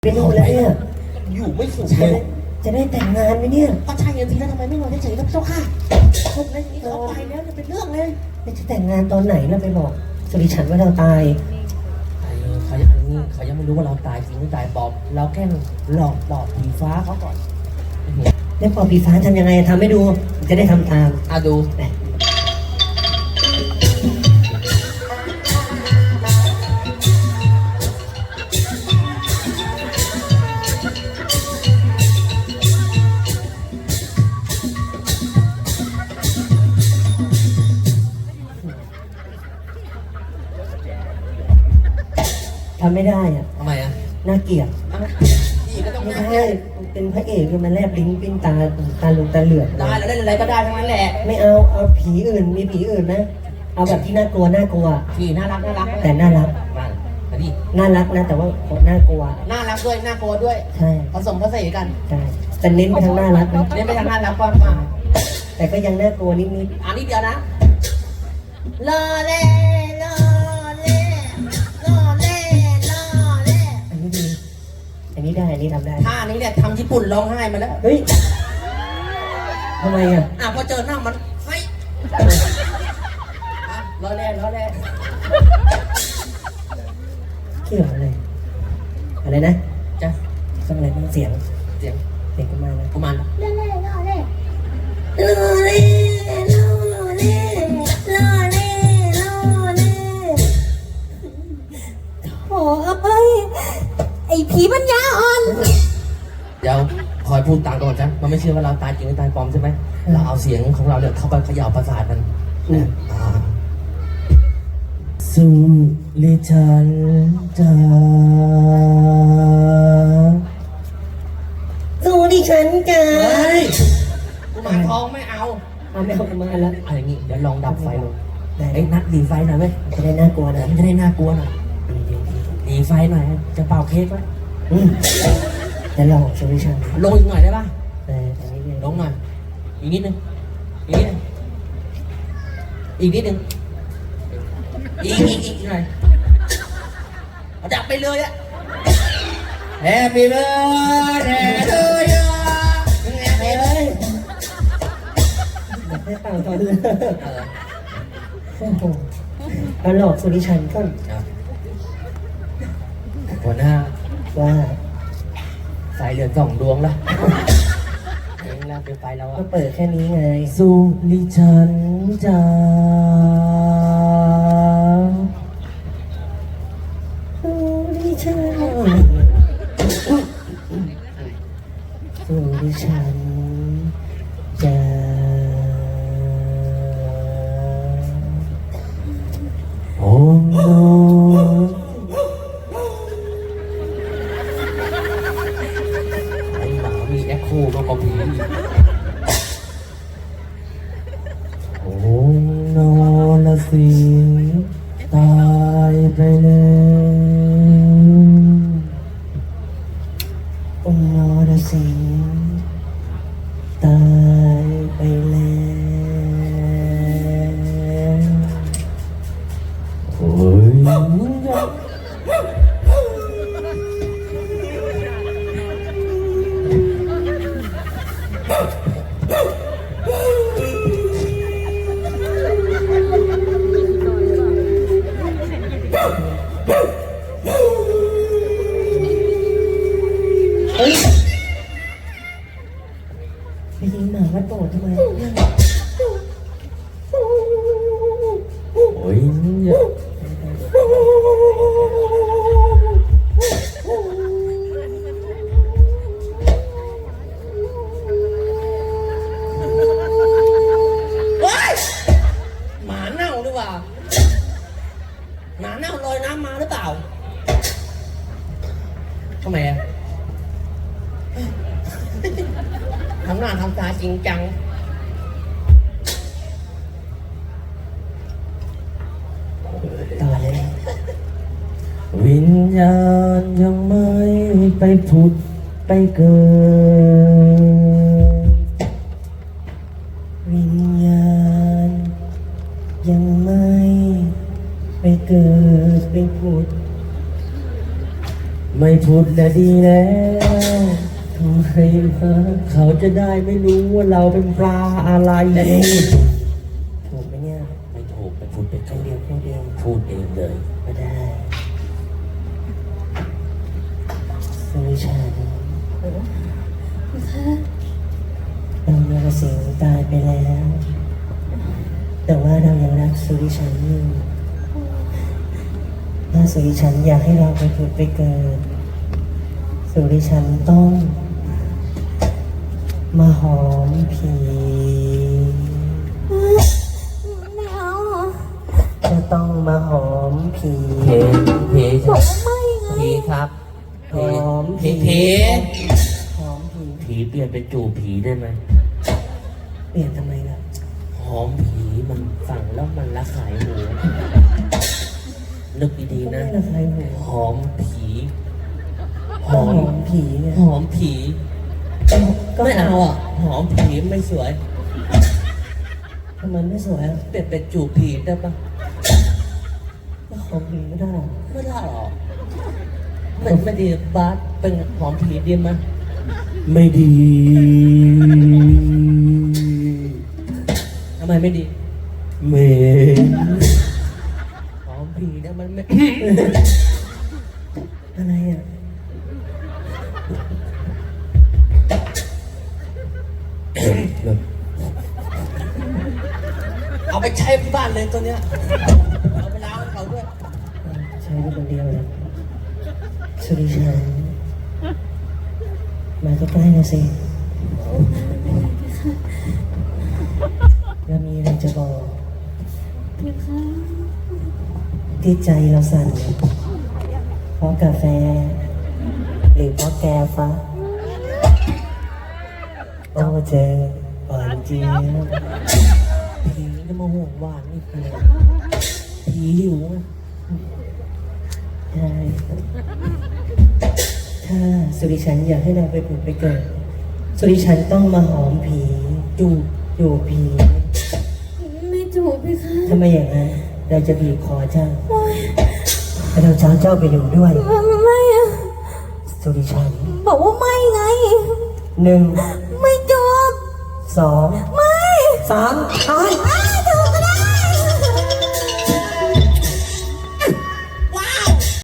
เป็นหมดแล้วเนี่ยอยู่ไม่สุขจะเลได้ยจะได้แต่งงานไหมเนี่ยก็ใช่ยังทีแล้วทำไมไม่นอนเฉยๆครับเจ้าค่ะพวกนั้นนี่เขาไปแล้วจะเป็นเรื่องเลยจะแต่งงานตอนไหนแล้วไปบอกสุริฉันว่าเราตายเขายังไม่รู้ว่าเราตายจริงหรือตายปลอมเราแค่หลอกปอบผีฟ้าเขาก่อนแล้วปอบปีฟ้าทำยังไงทำให้ดูจะได้ทำตามดูทำไม่ได้อ่ะทำไมน่าเกลียดพี่ก็ต้องไม่ได้เป็นพระเอกมันแลบลิ้นปิ้นตาลุงตาเหลือกได้แล้วเล่นอะไรก็ได้ทั้งนั้นแหละไม่เอาผีอื่นมีผีอื่นไหมเอาแบบที่น่ากลัวพี่น่ารักแต่น่ารักมาดิน่ารักนะแต่ว่าน่ากลัวน่ารักด้วยน่ากลัวด้วยใช่ผสมผสานกันใช่แต่เน้นไปทางน่ารักนะเน้นไปทางน่ารักกว่าแต่ก็ยังน่ากลัวนิดนิดเดียวนะรอเล่อันนี้ได้อันนี้ทำได้ท่านี้เนี่ยทำญี่ปุ่นร้องไห้มาแล้วเฮ้ยทำไมอ่ะพอเจอหน้ามันเฮ้ยรอเล่เกี่ยวอะไรนะจ๊ะต้องอะไรต้องเสียงกุมารนะกุมารโอ้ยไอ้ผีปัญญาอ่อนเดี๋ยวคอยพูดตามก่อนจ้ะมันไม่เชื่อว่าเราตายจริงหรือตายปลอมใช่ไหมเราเอาเสียงของเราเนี่ยเข้าไปเขย่าประสาทมันสุริชันจ้าสุริฉันจ้ากุมารทองไม่เอาไม่เอากุมารแล้วอะไรงี้เดี๋ยวลองดับไฟลงนัดดีไฟหน่อยเว้ยจะได้น่ากลัวนะจะได้น่ากลัวหน่อยดีไฟหน่อยจะเป่าเค้กไหมจะลองสุริชันลงอีกหน่อยได้ป่ะลงหน่อยอีกนิดนึงอีกนิดนึงอีกหน่อยดับไปเลยอะ Happy birthday to you ให้เป่าตอนเลยเราหลอกสุริชันก่อนหัวหน้าว่าไฟเหลือ2 ดวงแล้วเองแล้วเป็นไฟเราก็เปิดแค่นี้ไงสุริชันจ้าสุริชันสุริชันจ้าโอ้โนมีแอคโคมากกว่าผีโอ้โนละสิตายไปแล้วโอ้โนละสิตายไปแล้วโอ้ยไปยิงหมาวัดโบสถ์ทำไมโอ้ยหมาเน่าหรือเปล่าหมาเน่าลอยน้ำมาหรือเปล่าทำไมทำหน้าทำตาจริงจังต่อเลยวิญญาณยังไม่ไปผุดไปเกิดวิญญาณยังไม่ไปเกิดไปผุดไม่พูดนะดีแล้วทำไมมาเขาจะได้ไม่รู้ว่าเราเป็นปลาอะไรถูกไหมเนี่ยไม่ถูกไปพูดไปคำเดียวแค่เดียวพูดเองเลยก็ได้สุริชันเราเนรสิงห์ตายไปแล้ว แต่ว่าเรายังรักสุริชันอยู่ถ้าสุริชันอยากให้เราไปผุดไปเกิดสุริชันต้องมาหอมผีไม่เอาจะต้องมาหอมผีเพบอกว่าไม่ไงผีครับหอมผีหอมผีผีเปลี่ยนเป็นจูบผีได้ไหมเปลี่ยนทำไมล่ะหอมผีมันฟังแล้วมันละขายหูนึกดีๆไม่นะละใครหูหอมผีหก็อหมอมผีไงหอมผีก็ไม่เอาอ่ะ หอมผีไม่สวยทำไมไม่สวยอ่ะเปลี่ยนเป็นจูบผีได้ปะก็หอมผีไม่ได้หรอกไม่ได้หรอกไม่ดีบาสเป็นหอมผีดีมั้ยไม่ดีทำไมไม่ดีเมหอมผีนะมันไม่อะไรอ่ะเอาไปใช้ที่บ้านเลยตัวเนี้ยเอาไปล้างให้เขาด้วยใช้เป็นคนเดียวเลยสุริชันมาใกล้ๆหน่อยสิแล้วมีอะไรจะบอกนะคะที่ใจเราสั่นเนี่ยเพราะกาแฟ หรือเพราะแกฟ้าโอ้เจอหวานเจี๊ยบผีจะมาห่วงหวานนี่คือผีหิวอะใช่ถ้าสุริชันอยากให้เราไปผุดไปเกิด สุริชันต้องมาหอมผีอยู่ผีไม่จูบพี่คะถ้าไม่อย่างนั้นเราจะบีบคอเจ้าแล้วเราจะเอาเจ้าไปอยู่ด้วยไม่อะสุริชันบอกว่าไม่ไง 1 ไม่จูบ 2 ไม่ 3ตาย